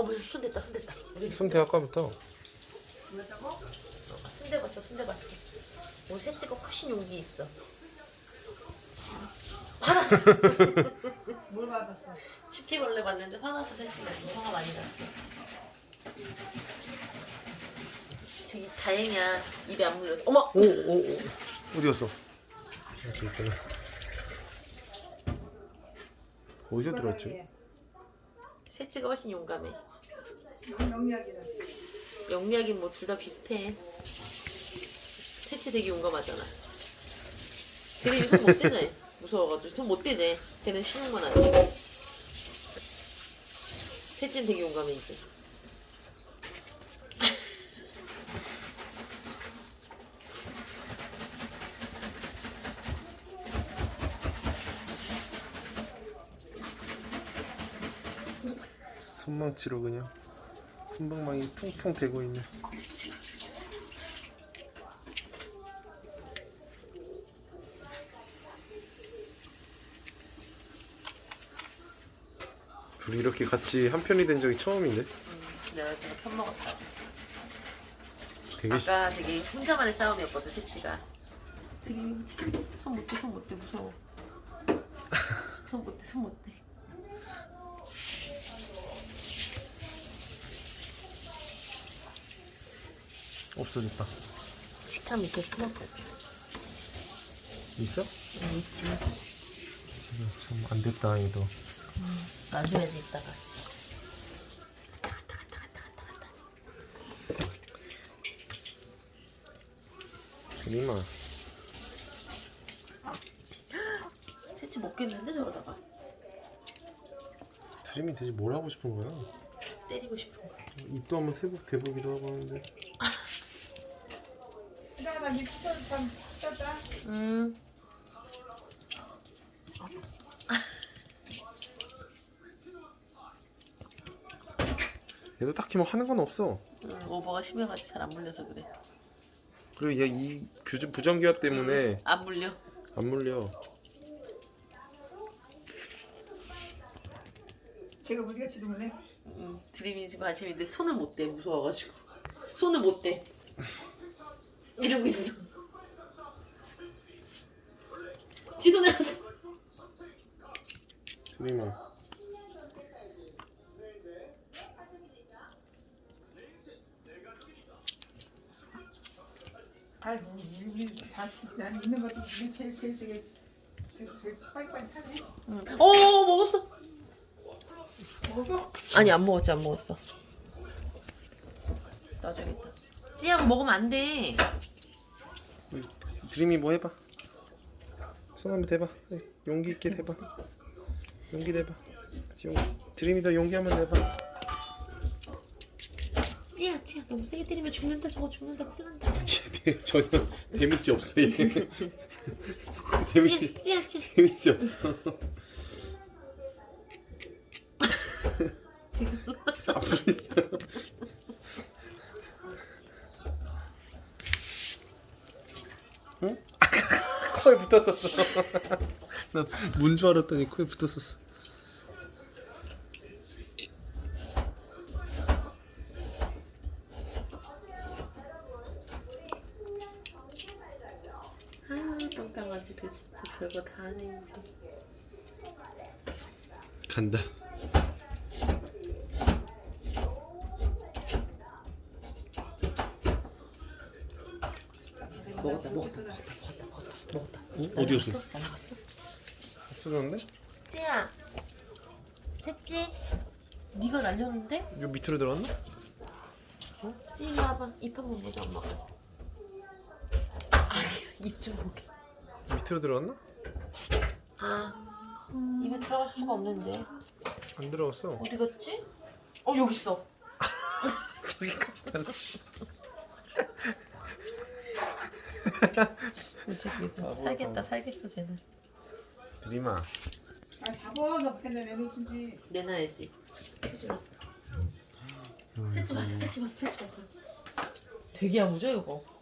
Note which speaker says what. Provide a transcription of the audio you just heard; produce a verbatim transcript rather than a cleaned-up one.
Speaker 1: 어머 손 댔다 손 댔다.
Speaker 2: 손대 아까부터.
Speaker 3: 뭐였다고?
Speaker 1: 어, 손 대봤어 손 대봤어. 오 새치가 훨씬 용기 있어. 화났어.
Speaker 3: 뭘 받았어?
Speaker 1: 집게벌레 봤는데 화나서 새치가 화가 많이 났어. 저기 다행이야 입에 안 물려서. 어머.
Speaker 2: 오오 오. 어디 갔어? 저기 있구나. 어디서 들어왔지?
Speaker 1: 새치가 훨씬 용감해.
Speaker 3: 명리학이다.
Speaker 1: 영리하긴 뭐 둘 다 비슷해. 새치 되게 용감하잖아. 드림이 손 못 대네. 무서워가지고 손 못 대네. 걔는 쉬운 건 아니야. 새치는 되게 용감해 이제.
Speaker 2: 손망치로 그냥 손방망이 퉁퉁 대고 있네. 둘이 이렇게 같이 한 편이 된 적이 처음인데?
Speaker 1: 음, 내가 그냥 편 먹었다.
Speaker 2: 되게 시...
Speaker 1: 아까 되게 혼자만의 싸움이었거든 새치가. 되게 손 못대 손 못대 무서워. 손 못대 손 못대.
Speaker 2: 없어졌다.
Speaker 1: 식탁 밑에 숨었거든.
Speaker 2: 있어?
Speaker 1: 응 있지.
Speaker 2: 참 안 됐다 얘도.
Speaker 1: 음, 놔줘야지 이따가.
Speaker 2: 드림아.
Speaker 1: 새치 먹겠는데 저러다가.
Speaker 2: 드림이 대체 뭘 하고 싶은 거야?
Speaker 1: 때리고 싶은 거.
Speaker 2: 입도 한번 세복 대보기도 하고 하는데.
Speaker 3: 이따가 나 밑에서 좀 쉬었다.
Speaker 1: 음.
Speaker 2: 얘도 딱히 뭐 하는 건 없어.
Speaker 1: 음, 오버가 심해가지고 잘 안 물려서 그래.
Speaker 2: 그리고 얘 이 부정기압 때문에
Speaker 1: 음, 안 물려.
Speaker 2: 안 물려.
Speaker 3: 제가 무지개치도 몰래.
Speaker 1: 음, 드림이 지금 관심인데 손을 못 대. 무서워가지고. 손을 못 대. 이러고 있어. 지도 내놨어.
Speaker 2: 드림아.
Speaker 3: 아이고 우리 다난 있는 것도 중에 제일 제일 제일 제일 제일 빨리빨리 타네.
Speaker 1: 응. 어 먹었어.
Speaker 3: 먹어?
Speaker 1: 아니 안 먹었지 안 먹었어. 놔줘야겠다. 찌양 먹으면 안 돼.
Speaker 2: 드림이 뭐 해봐. 손 한번 대봐. 용기 있게 대봐. 용기 내봐. 용... 드림이 더 용기 한번 내봐.
Speaker 1: 찌야 찌야 너무 세게 때리면 죽는다 저거 죽는다 큰일 난다.
Speaker 2: 전혀 데미지 없어 얘. 데미지
Speaker 1: 찌야 찌야 찌야.
Speaker 2: 데미지 없어. 응? 코에 붙었었어. 나 문 줄 알았더니 코에 붙었었어.
Speaker 1: 아 똥강아지들 진짜 별거 다 하네 이제.
Speaker 2: 간다.
Speaker 1: 먹었다 먹었다 먹었다 먹었다 먹었다 먹었다.
Speaker 2: 어? 어디 갔어?
Speaker 1: 날라갔어?
Speaker 2: 없어졌는데?
Speaker 1: 찌야 새찌 네가 날렸는데?
Speaker 2: 요 밑으로 들어갔나?
Speaker 1: 찌 일로 와봐. 입 한번 보자 엄마가. 아니야 입 좀 보게.
Speaker 2: 밑으로 들어갔나?
Speaker 1: 아 입에 들어갈 수가 없는데.
Speaker 2: 안 들어갔어.
Speaker 1: 어디 갔지? 어 여기 있어.
Speaker 2: 저기까지 달라.
Speaker 1: 저기 있어.
Speaker 2: 바보야,
Speaker 1: 살겠다
Speaker 2: 바보.
Speaker 1: 살겠어 쟤는.
Speaker 2: 드림아.
Speaker 3: 아 잡아 너 근데 내놓든지.
Speaker 1: 내놔야지. 새치 봤어 새치 봤어 새치 봤어. 되게 야무져 이거.